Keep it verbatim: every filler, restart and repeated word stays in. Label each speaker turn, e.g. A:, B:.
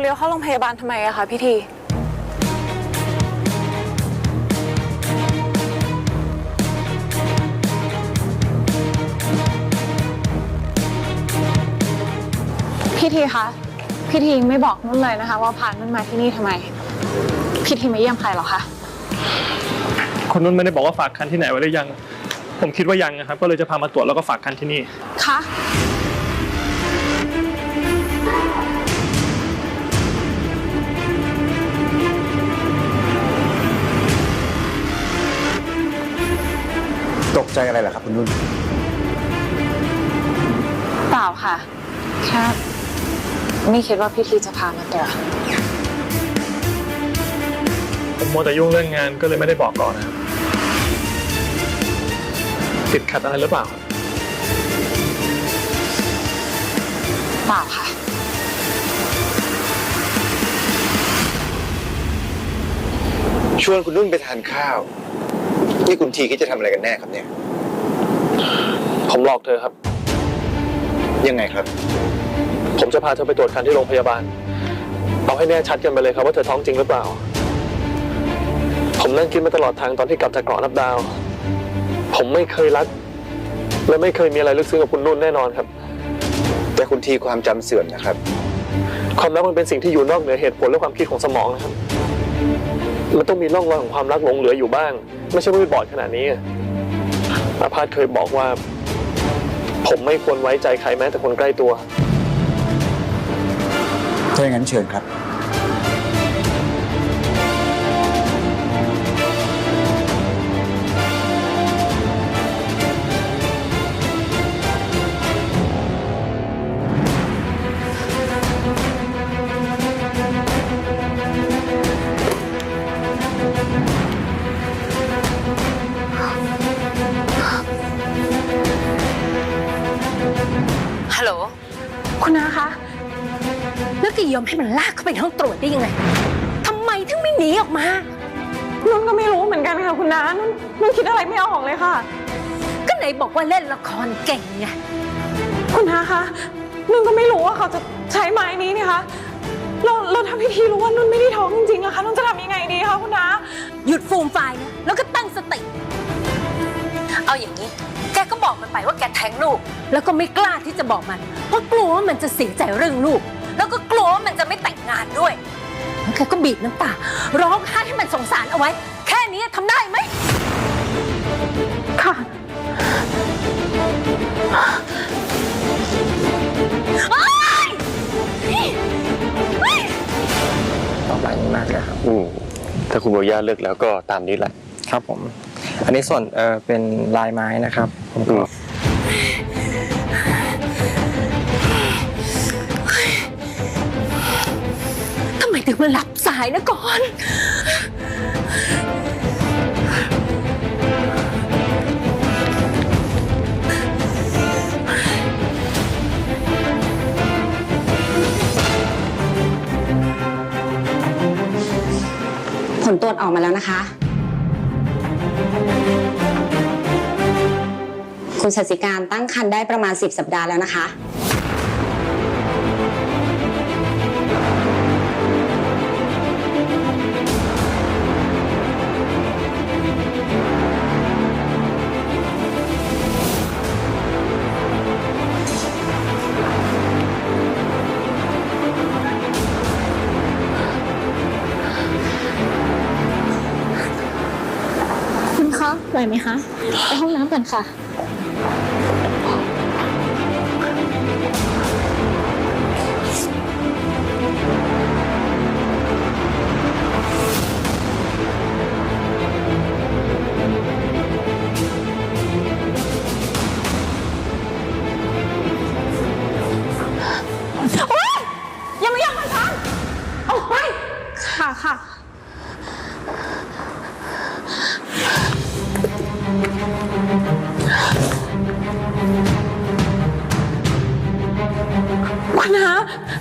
A: ลี้ยวเข้าโรงพยาบาลทำไมอะคะพี่ทีพี่ทีคะพี่ทีไม่บอกนุ่นเลยนะคะว่าพานุ่นมาที่นี่ทำไมพี่ทีมาเยี่ยมใครหรอคะ
B: คนนุ่นไม่ได้บอกว่าฝากคันที่ไหนไว้หรือยังผมคิดว่ายังนะครับก็เลยจะพามาตรวจแล้วก็ฝากคันที่นี่
A: คะ
C: ตกใจอะไรล่ะครับคุณนุ่น
A: เปล่าค่ะแค่ไม่คิดว่าพี่ทีจะพามาตรวจ
B: ผมมัวแต่ยุ่งเรื่องงานก็เลยไม่ได้บอกก่อนนะครับติดขัดอะไรหรือเปล่า
A: เปล่าค่ะ
C: ชวนคุณนุ่นไปทานข้าวนี่คุณทีคิดจะทำอะไรกันแน่ครับเนี่ย
B: ผมหลอกเธอครับ
C: ยังไงครับ
B: ผมจะพาเธอไปตรวจคันที่โรงพยาบาลเอาให้แน่ชัดกันไปเลยครับว่าเธอท้องจริงหรือเปล่าผมนั่งคิดมาตลอดทางตอนที่กลับจากเกาะนับดาวผมไม่เคยรักและไม่เคยมีอะไรลึกซึ้งกับคุณนุ่นแน่นอนครับ
C: แต่คุณทีความจำเสื่อมนะครับ
B: ความรักมันเป็นสิ่งที่อยู่นอกเหนือเหตุผลและความคิดของสมองนะครับมันต้องมีร่องรอยของความรักหลงเหลืออยู่บ้างไม่ใช่ว่าไม่บอดขนาดนี้อาพาธเคยบอกว่าผมไม่ควรไว้ใจใครแม้แต่คนใกล้ตัว
C: ถ้าอย่างนั้นเชิญครับ
D: ฮัลโหล
A: คุณน้าคะ
D: แล้วแกยอมให้มันลากเข้าไปในห้องตรวจได้ยังไงทำไมถึงไม่หนีออกมา
A: นุ่นก็ไม่รู้เหมือนกันค่ะคุณน้านุ่นนุ่นคิดอะไรไม่ออกเลยค่ะ
D: ก็ไหนบอกว่าเล่นละครเก่งไง
A: คุณน้าคะนุ่นก็ไม่รู้ว่าเขาจะใช้ไม้นี้นี่คะเราเราทำพิธีรู้ว่านุ่นไม่ได้ท้องจริงๆอะคะนุ่นจะทำยังไงดีคะคุณน้า
D: หยุดฟูมไฟนะแล้วก็ตั้งสติเอาอย่างนี้แกก็บอกมันไปว่าแกแท้งลูกแล้วก็ไม่กล้าที่จะบอกมันเพราะกลัวว่ามันจะเสียใจเรื่องลูกแล้วก็กลัวว่ามันจะไม่แต่งงานด้วยแล้วแกก็บีบน้ำตาร้องไห้ให้มันสงสารเอาไว้แค่นี้ทำได้ไหม
A: ค่ะ
E: ต่อไปนี้มากเลยครับ
B: อืมถ้าคุณบอกย่าเลิกแล้วก็ตามนี้แหละ
E: ครับผมอันนี้ส่วนเออเป็นลายไม้นะครับผมก็
D: ทำไมถึงมาหลับสายนะก่อน
F: ผลตรวจออกมาแล้วนะคะคุณชัชสิการตั้งครรภ์ได้ประมาณสิบสัปดาห์แล้วนะคะ
A: คุณคะไหวไหมคะไปห้องน้ำก่อนค่ะยังไม่ยอมมาทำออกไปค่ะค่ะคุณน้า